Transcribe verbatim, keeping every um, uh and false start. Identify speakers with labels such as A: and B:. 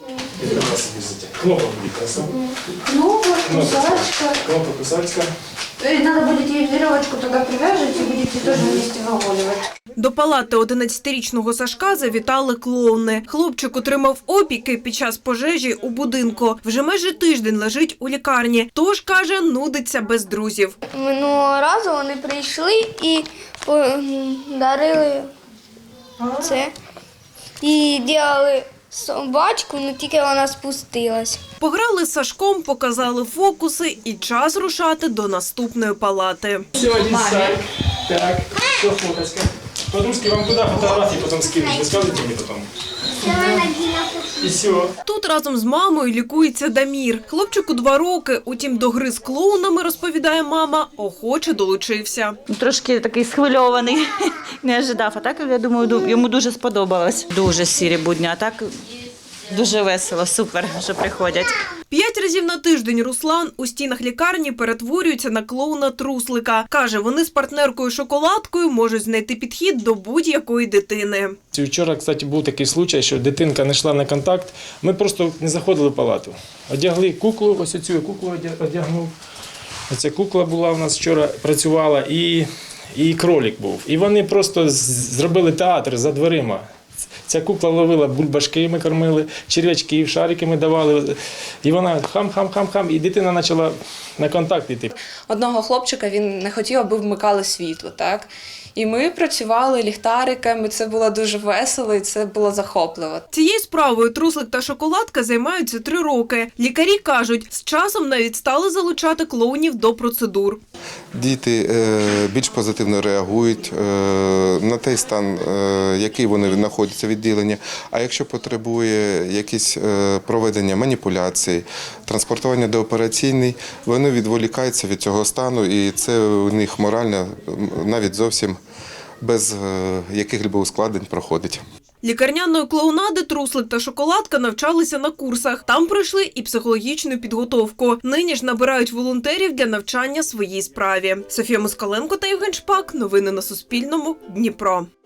A: Это у нас везде. Кнопка будет красава.
B: Кнопка, кусачка.
A: Кнопка, кусачка.
B: Надо будет ей веревочку туда привяжете и будете тоже вместе выгуливать.
C: До палати одинадцятирічного Сашка завітали клоуни. Хлопчик отримав опіки під час пожежі у будинку. Вже майже тиждень лежить у лікарні. Тож, каже, нудиться без друзів.
D: Минулого разу вони прийшли і подарили це. І робили собачку, але тільки вона спустилась.
C: Пограли з Сашком, показали фокуси і час рушати до наступної палати.
A: Все, один сайт. Так, все, фоточка. Подружки, вам куда фотографии потом скинуть? Вы скажете мне потом? І все.
C: Тут разом з мамою лікується Дамір. Хлопчику два роки, утім до гри з клоунами, розповідає мама, охоче долучився.
E: Трошки такий схвильований, не ожидав, а так, я думаю, йому дуже сподобалось. Дуже сірі будні, а так дуже весело, супер, що приходять.
C: П'ять разів на тиждень Руслан у стінах лікарні перетворюється на клоуна-труслика. Каже, вони з партнеркою Шоколадкою можуть знайти підхід до будь-якої дитини.
A: Вчора, кстати, був такий случай, що дитинка не йшла на контакт. Ми просто не заходили в палату. Одягли куклу, ось цю куклу одягнув. Оця кукла була у нас вчора, працювала, і, і кролик був. І вони просто зробили театр за дверима. Ця кукла ловила бульбашки, ми кормили, черв'ячки, шарики ми давали. І вона хам-хам-хам-хам, і дитина почала на контакт йти.
F: Одного хлопчика він не хотів, аби вмикали світло, так? І ми працювали ліхтариками, це було дуже весело і це було захопливо.
C: Цією справою Труслик та Шоколадка займаються три роки. Лікарі кажуть, з часом навіть стали залучати клоунів до процедур.
G: Діти більш позитивно реагують на той стан, який вони знаходяться в відділенні. А якщо потребує якісь проведення маніпуляцій, транспортування до операційної, вони відволікаються від цього стану, і це у них морально навіть зовсім без яких-либо ускладнень проходить.
C: Лікарняної клоунади Труслик та Шоколадка навчалися на курсах. Там пройшли і психологічну підготовку. Нині ж набирають волонтерів для навчання своїй справі. Софія Москаленко та Євген Шпак. Новини на Суспільному. Дніпро.